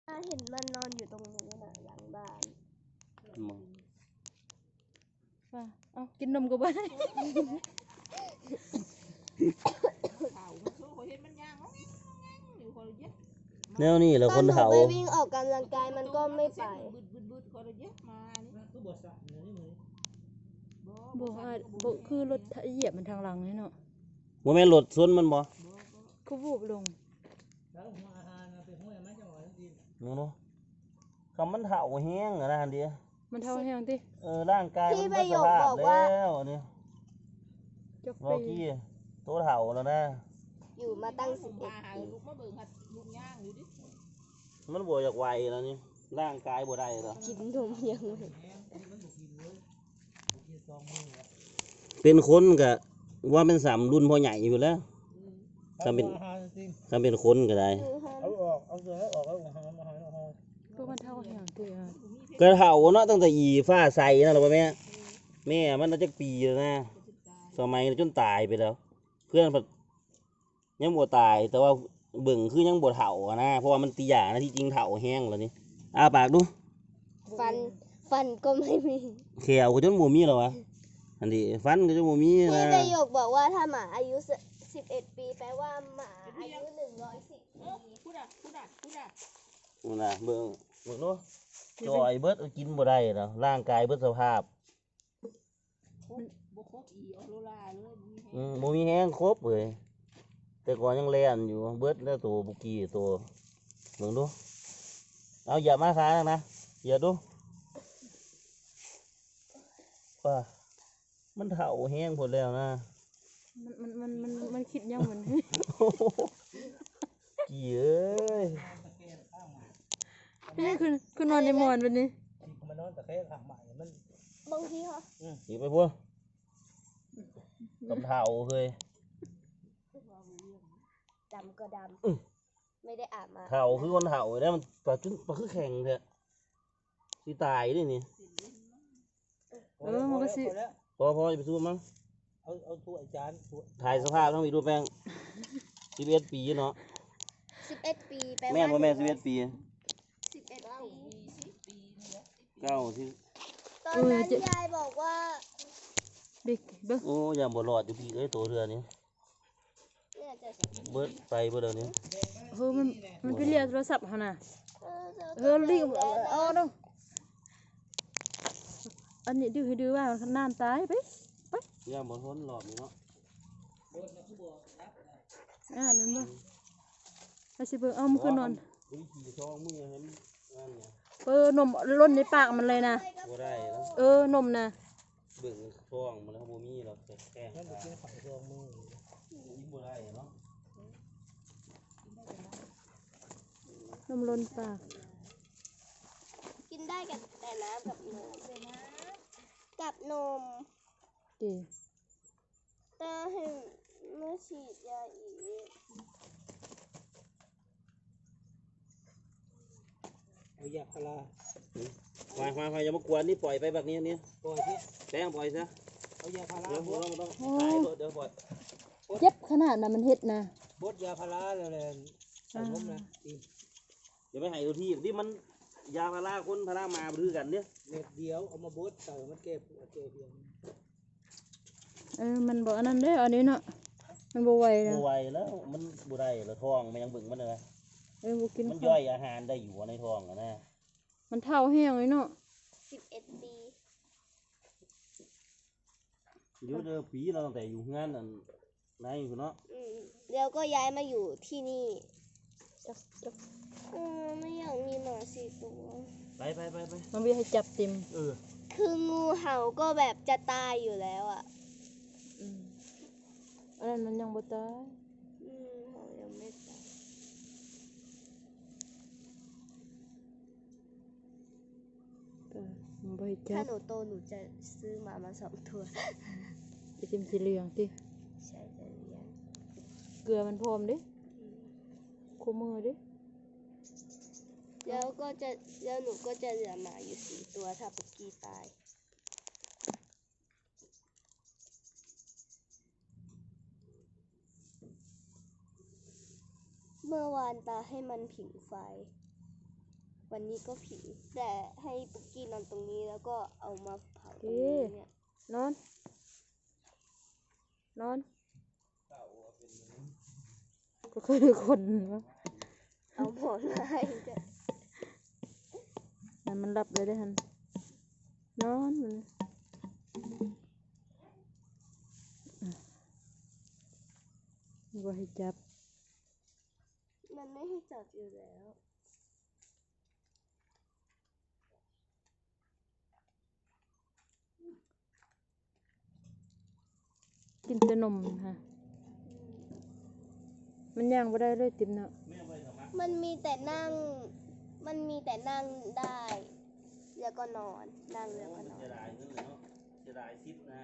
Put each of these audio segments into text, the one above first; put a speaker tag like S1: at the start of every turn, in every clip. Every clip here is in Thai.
S1: เห็นมันนอนอยู่ตรงนู้นน่ะหลังบ้าน
S2: ว่าเอากินนมก็บ่ได้
S3: แนวนี้แหละคนเฒ่า
S1: ไปวิ่งออกกำลังกายมันก็ไม่ไป
S2: บ่คือรถเหยียบมันทางหลังนี่เนาะ
S3: บ่แม่นรถชนมันบ่
S2: คือวูบลง
S3: เนาะคำมันเฒ่าแห้งนะอันเดียว
S2: มันเท่าแห้งติ
S3: ร่างกายมันบ่สภาพแล้วนี่รอกี้ตัวเฒ่าแล้วนะ
S1: อยู่มาตั้ง11 ปี
S3: มันบ่อยากไหวแล้วนี่ร่างกายบ่ได้แล้ว
S1: กินนมยัง
S3: เป็นคนก็ว่าเป็น3รุ่นพ่อใหญ่อยู่แล้วถ้าเป็นคนก็ได้
S2: ก็มันเท่าแห้งติ
S3: ก็เฒ่าเนาะตั้งแต่อีฟ้าใสนั่นแหละแม่มันน่าจะปีแล้วนะสมัยจนตายไปแล้วเพื่อนยังบ่ตายแต่ว่าเบิ่งคือยังบ่เฒ่านะเพราะว่ามันตีหยานะที่จริงเฒ่าแห้งแล้วนี่อ้าปากดู
S1: ฟันก็ไม่มี
S3: แขวก็จนบ่มีแล้ววะอันนี้ฟันก็จนบ่มีนะ
S1: พี่ประโยคบอกว่าถ้าหมาอายุ11 ปีแปลว่าหมาอายุ110 ปี
S3: พูดนะเบิ่งเนาะจอยเบิดกินบ่ได้แล้วร่างกายเบิดสภาพบ่มีแห้งครบเลยแต่ก่อนยังแล่นอยู่เบิดแล้วตัวบุกี้ตัวเบิ่งดูเอาอย่ามาค้านะอย่าดูว่ามันเฒ่าแห้งหมดแล้วนะ
S2: มันคิดยังมัน
S3: กี่เอ้ย
S2: พี่คือนอนในหมอนวันนี้
S4: มันนอนตะแคงข้างใหม่มัน
S1: บางทีเหรอ
S3: สิไปพวกกับเฒ่าเคย
S1: ดำก็ดำไม่ได้อาบมา
S3: เฒ่าคือคนเฒ่าแล้วมันปลาคือแข็งเถอะสิตายดินี่
S2: มันก็สิ
S3: พอจะไปสู้มั้ง
S4: เอาถ้วยจาน
S3: ถ่ายสภาพต้องมีรูปแป้ง11 ปีเนาะ
S1: 11 ปีแปลว่า
S3: แม่นบ่แม่น11 ปี
S1: 11 ปีตอนนั้นยายบอกว่า
S3: โอ้ยบ่รอดอยู่พี่เอ้ยตัวเรือนี้เบิดไปเบิดเดี๋ยวนี้
S2: มันไปเรียกโทรศัพท์หั่นน่ะรีบเอาเนาะอันนี้ดื้อให้ดื้อว่ามันน้ำตายไป
S3: ย่าบ่ทนรอบนี้เนาะ
S2: นั่นบ่ไปสิเบิ่งเอามันคือนอนนมล้นในปากมันเลยนะ
S3: บ่ได้
S2: นมนะ
S3: เบิ่งท้องมันแล้วบ่มีหรอกแค่
S4: มันกินข้าวท้องมือ
S3: บ่ได้เนาะ
S2: นมล้นปาก
S1: กินได้แต่น้ำกับนม
S2: ดี
S1: แต่ให้เมื่อฉีดยาอีก
S4: เอายาพารา
S3: ควายอย่ามากวนนี่ปล่อยไปแบบนี้
S4: ปล่อยที่
S3: แป้งปล่อยซะ
S4: เอายาพารา
S3: เดี๋ยวปล่อย
S2: เจ็บขนาดนั้นมันเฮ็ดนะ
S4: บดยาพาราเลยใส่นมนะ
S3: อย่าไปให้ดูที่มันยาพาราคนพารามาดื้อกันเนี่ย
S4: เม็ดเดียวเอามาบดใส่มันเก็บเพียง
S2: มันบอกอันนั้นได้อันนี้เนาะมันบ่ไหวนะ
S3: บ่ไหวแล้วมันบ่ได้แล้วท้องมันยังบึงมันเลย
S2: บ่กิน
S3: มันย่อยอาหารได้อยู่ในท้องนะ
S2: มันเท่าแห้งเลยเนาะ
S1: 11 ปี
S3: อยู่เด้อปีเราตั้งแต่อยู่งานนั่นนายอยู่เนาะ
S1: แล้วก็ย้ายมาอยู่ที่นี่ไม่อยากมีหมา4 ตัว
S3: ไป
S2: มันมีให้จับติม
S1: คืองูเห่าก็แบบจะตายอยู่แล้วอ่ะ
S2: อันนั้นมันยังบ่ตาย
S1: เห่ายังไม่ตายถ้าหนูโตหนูจะซื้อหมา2 ตัว
S2: จะจิ้มสีเหลืองติ
S1: ใช่จะเลี้ยง
S2: เกลือมันพร้อมดิคู่มือดิ
S1: แล้วหนูก็จะเหลือหมาอยู่4 ตัวถ้าปุกกี้ตายเมื่อวานตาให้มันผิงไฟวันนี้ก็ผีแต่ให้ปุกกี้นอนตรงนี้แล้วก็เอามาเผาตรงนี้เนี่ย
S2: นอนนอนก็คือคนวะ
S1: เอาหมอนมาให้ด้วย
S2: นั่นมันหลับเลยได้หันนอนมันบ่ให้จับ
S1: มันไม่ให้จับอยู่แล้ว
S2: กินแต่นมค่ะมันย่างบ่ได้เลยติมเนาะ
S1: มันมีแต่นั่ง มันมีแต่นั่งได้ แล้วก็นอน นั่งแล้วก็นอน
S3: เสียดายเงินเลยเนาะเสียดายซิปนะ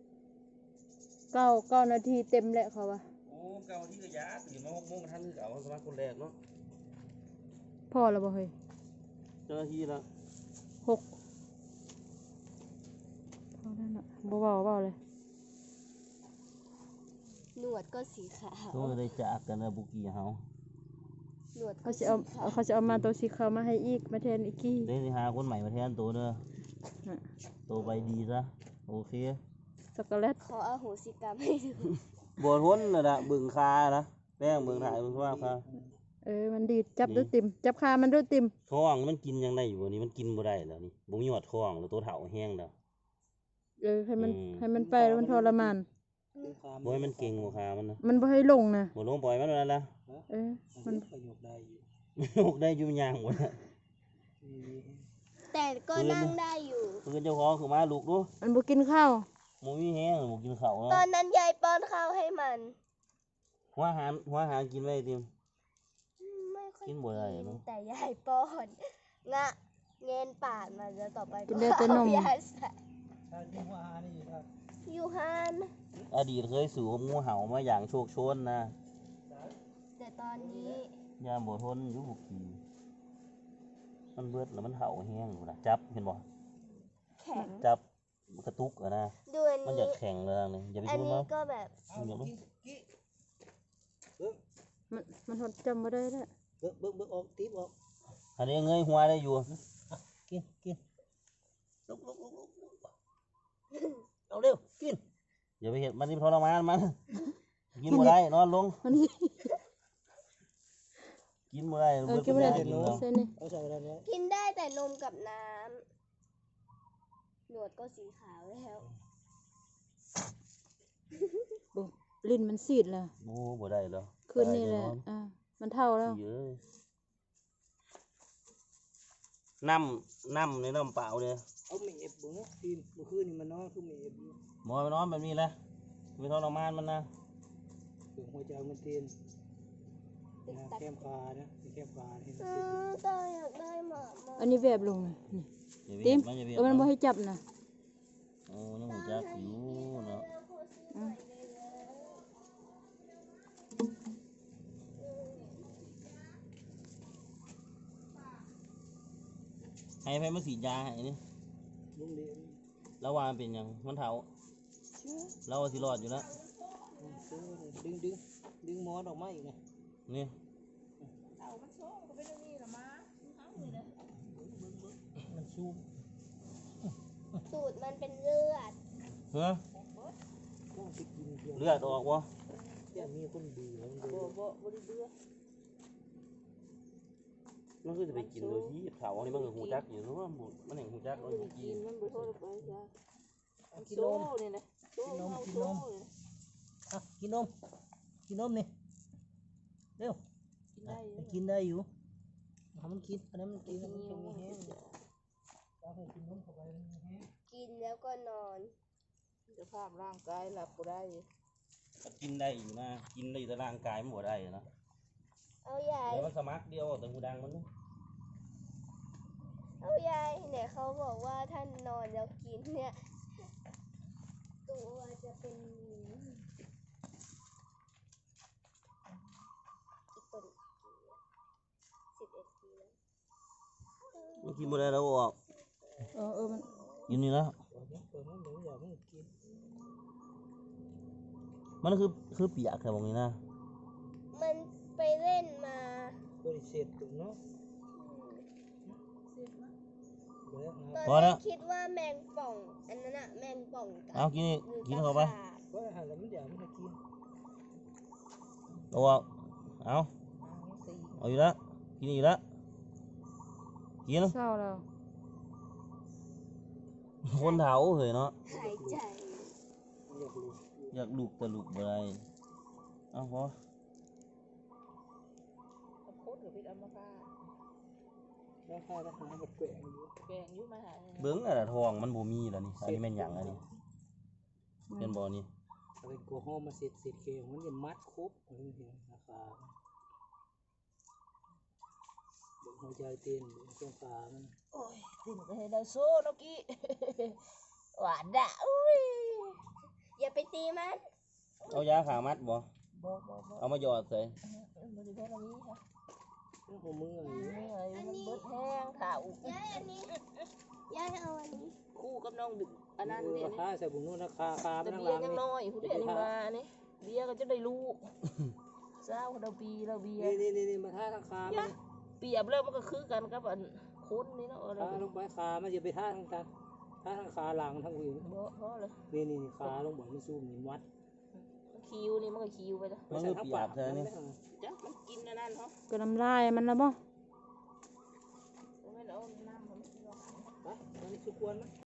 S2: 9 นาทีเต็มแล้วเขาว่า
S3: โอ้เก่าที่กระยาตื่นมา6 โมงทันคือเก่าสมัครคนแรกเนาะ
S2: พอแล้วบ่เฮ้ย
S3: เจ้าหน้าที่แล้ว
S2: 6พอแล้วเนาะบ่เว้าเลย
S1: หนวดก็สีขาว
S3: ต้องได้จากกันนะบุกี้เฮา
S1: หนวดก็
S2: เขา
S1: สี
S2: จะเอา
S1: ขาว
S2: เขาจะเอามาตัวสีขาวมาให้อีกมาแทนอีกกี้
S3: ได้หาคนใหม่มาแทนตัวเด้อ
S2: น่ะ
S3: ตัวไปดีซะโอเค
S2: ช็อกโกแลต
S1: ขออโหสิกรรมให้ดู
S3: บ่ทนน่ะนะบึงคานะแป้งเบิ่งถ่ายเบิ่งว่าคา
S2: มันดีดจับด้วยติมจับคามันด้วยติม
S3: ท้องมันกินยังได้อยู่วันนี้มันกินบ่ได้แล้วนี่บ่มีหอดท้องแล้วตัวเฒ่าแห้งแล้ว
S2: ให้มันไปแล้วมันทรมาน
S4: เป็นคาม
S3: บ่ให้มันเก่งบ่คามันนะ
S2: มันบ่ให้ลงนะ
S3: บ่ลงปล่อยมันนั่นล่ะ
S4: มั
S2: มัน น
S4: ประโยชน์ได้อยู่
S3: ลูกได้อยู่ย่างหมดน่ะ
S4: มี
S1: แต่ก็นั่งได้อยู่
S3: เพิ่นเจ้าของคือมาลูกดู
S2: มันบ่กินข้าว
S3: บ่มีแห้งบ่กินข้าว
S1: ตอ
S3: เนาะ
S1: นนั้นยายป้อนข้าวให้มัน
S3: หัวอาหารกินไว้ติม
S1: ไม่ค่อย
S3: กินบ่ได้เนอะ
S1: แต่ยายป้อนงะเงินปากมันแล้วต่อไป
S2: กินได้แต่นม
S1: เอายาใส่
S4: ถ้าที่ว่าหานี่ครับ
S1: อยู่ฮาน
S3: อดีตเคยสู่กับงูเห่ามาอย่างโชคโชนนะ
S1: แต่ตอนนี้
S3: ยามบ่ทนอยู่บุกี้มันเบิดแล้วมันเห่าแห้งอยู่นะจับเห็นบ่
S1: แข็ง
S3: จับกระตุกอะนะ
S1: ดูอัน
S3: มันอ
S1: นี้
S3: ยากแข็งเลยนี่อย่าไป
S1: อัน
S3: ชน
S1: นี้
S3: มัน
S1: ก็แบบ
S4: เอากินกี้
S2: มันหดจำบ่ได้แล้ว
S4: เบิ่งออกติ๊บออก
S3: อันนี้เงยหัวได้อยู่
S4: กินลุกเอาเร็วกิน
S3: อย่าไปเห็นมันที่ทรมานมันกินบ่ได้นอนลง
S2: มันนี่
S3: กินบ่ได้เบิด
S2: กินบ่ได้
S3: ปัญญากินแล้ว
S2: เส้นนี่
S4: เอาใส่อะไรเนี่ย
S1: กินได้แต่นมกับน้ำหนวดก็สีขาวแล้ว
S2: บ่ลิ้นมันซีดแล้ว
S3: โอ้บ่ได้แล้ว
S2: คืนนี้แหละมันเท่าแล้ว
S3: เยอะน้ำในน้ำเปล่าเนี่ย
S4: เอาเมฟบุ้งทีมเมื่อคืนนี่มันนอนคือเมฟอยู่
S3: หมอไปนอนแบบนี้แหละไม่ทรมานมันนะ
S4: เบิ่งหัวใจมันเต้นนะแคมคานะแคมคาเห็น
S1: ตาอยากได้หมามา
S2: อันนี้แบบลงนะนี่
S3: อย่าไป
S2: ติม
S3: เห็นมันอย่าไป
S2: มัน
S3: เห็น
S2: บ่
S3: มัน
S2: ให้จับนะ
S3: โอ้ยังหูจักอยู่เนาะให้ไปมาฉีดยาให้นี่
S4: ลุงเลี้ยง
S3: แล้ววามันเป็นหยังมันเถาเราสิรอดอยู่แล้ว
S4: ดึงหมอนออกมาอีกไง
S3: นี่
S4: มันซูม
S1: สูตรมันเป็นเลือด
S3: เฮ้อ
S4: ต้องไปกินเดียว
S3: เลือดออกวะ
S4: อย่ามีคนดีแล้วมันดู
S1: บริเบือ
S3: มันคือจะไปกินโดยที่เถาอันนี้มันก็หูจักอยู่เนาะมันเห็นหูจักเราจะกิน
S1: มันบ่โทษไปจ้ะ
S4: กินนมกินนมกินนมอ่ะกินนมกินนมนี่เร็วกินได้อยู่มันกินอันนั้นมันกินมันจะมีแห้งต้องให้กินนมเข้าไปมันมีแห้ง
S1: กินแล้วก็นอน
S5: สภาพร่างกายหลับก็ได้
S3: ก็กินได้อยู่นะกินได้อยู่แต่ร่างกายมันบ่ได้นะ
S1: เอายาย
S3: เดี๋ยวมันสมัครเดียวแต่หูดังมัน
S1: เอายายเนี่ยเขาบอกว่าท่านนอนแล้วกินเนี่ย ตัวจะเป็นอีกคน11 ปีแล้ว
S3: มันกินบ่ได้แล้วออก
S2: มัน
S3: กินนี่แล้ว
S4: เปิดมันเหมือนอยากมันกิน
S3: มันคือเปียกแค่บางนี้นะ
S1: มันไปเล่นมา
S4: บริเสธถึงเนาะ
S1: ตอนแรกคิดว่าแมงป่องอันนั้นอะแมงป่องกัด
S3: เอากินนี่
S1: หรือ
S3: กินเข้าไป
S1: ตะขาบ
S4: ก็หันแล้วมันเดี๋ยวมันจะกิน
S3: เอาเอาเอาอยู่แล้วกินอยู่แล้วกิน
S2: เศร้าแล้ว
S3: คนเฒ่าเหยเนาะ
S1: หายใจ
S4: อยากรู้
S3: อยากลูกแต่ลูกบ่ได้เอาพอ
S5: โคตรหรือพิษอัมพาต
S4: แล้วข้าทหารกับแกว่งอยู่
S5: แกงอยู่มาหา
S3: เบิ่งอะทองมันบ่มีแล้วนี่อันนี้แม่นหยังอันนี้เป็นบ่นี่
S4: อะไรโกหกมาเสร็จเคมันจะมัดครบเห็นราคาเบิ่งหัวใจเต้นเบิ่งช่วงขามัน
S5: โอ้ยติ่มก็ให้ได้โซ่นกกี้หวานด่ะอุ้ย
S1: อย่าไปตีมัน
S3: เอายาขามัดบ่
S5: บ่
S3: เอามาหยอดใส่
S5: บ่ได้บ่ได้มีค่ะ
S4: เรื่องของมืออยู่
S5: นี่อะไรมันเบิดแห้งถ่าอุ
S1: ย้ายอันนี้ย้ายเอาอันนี้
S5: คู่กับน้องดึกอันนั้นเนี่ย
S4: ราคาใส่บุญนู่นราคาคา
S5: แต่
S4: ไม่
S5: เบี
S4: นั่ง
S5: ย
S4: ล้าง
S5: ร์ยังน้อยผู้เดียวนี่มานี่เบียร์ก็จะได้ลูกเศร้าเราปีเราเบียร์
S4: นี่มาท่าทางคามัน
S5: เปรียบแล้วมันก็คือกันกับอันคนนี่เนาะอะไร
S4: ท่าลงไปคามันจะไปท่าทางกันท่าทางคาหลังทางอื่น
S5: บ่เพราะเลย
S4: นี่ขาลงบ่มันสู้มันวัด
S5: คิวนี่มันก็คิวไปแล้ว
S3: มันคือปียกเท่านี้
S5: จ้ะมันกินอันนั้นเหรอ
S2: ก็น้ำลายมันแล้วบ่
S5: ไม่เอาน้ำมัน
S4: ไปตอนนี้คือควรมั้ย